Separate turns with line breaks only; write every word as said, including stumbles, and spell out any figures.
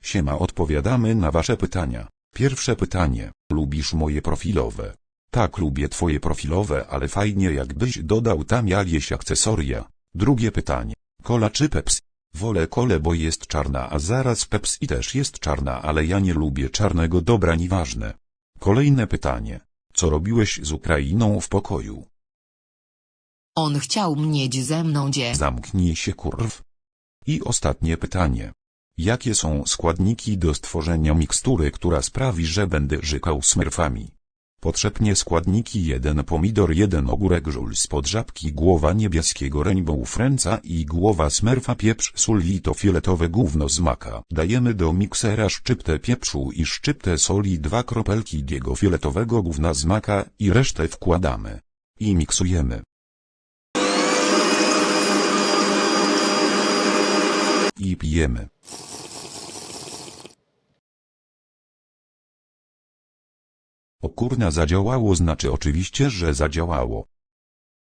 Siema, odpowiadamy na wasze pytania. Pierwsze pytanie. Lubisz moje profilowe? Tak, lubię twoje profilowe, ale fajnie jakbyś dodał tam jakieś akcesoria. Drugie pytanie. Cola czy Pepsi? Wolę kolę, bo jest czarna, a zaraz Pepsi też jest czarna, ale ja nie lubię czarnego, dobra, nieważne. Kolejne pytanie. Co robiłeś z Ukrainą w pokoju?
On chciał mieć ze mną dzie.
Zamknij się, kurw. I ostatnie pytanie. Jakie są składniki do stworzenia mikstury, która sprawi, że będę żykał smurfami? Potrzebnie składniki: jeden pomidor, jeden ogórek, żul spod żabki, głowa niebieskiego rainbow friendsa i głowa smurfa, pieprz, sól i to fioletowe gówno z maka. Dajemy do miksera szczyptę pieprzu i szczyptę soli, dwa kropelki tego fioletowego gówna z maka i resztę wkładamy. I miksujemy. I pijemy. O kurna, zadziałało, znaczy oczywiście, że zadziałało.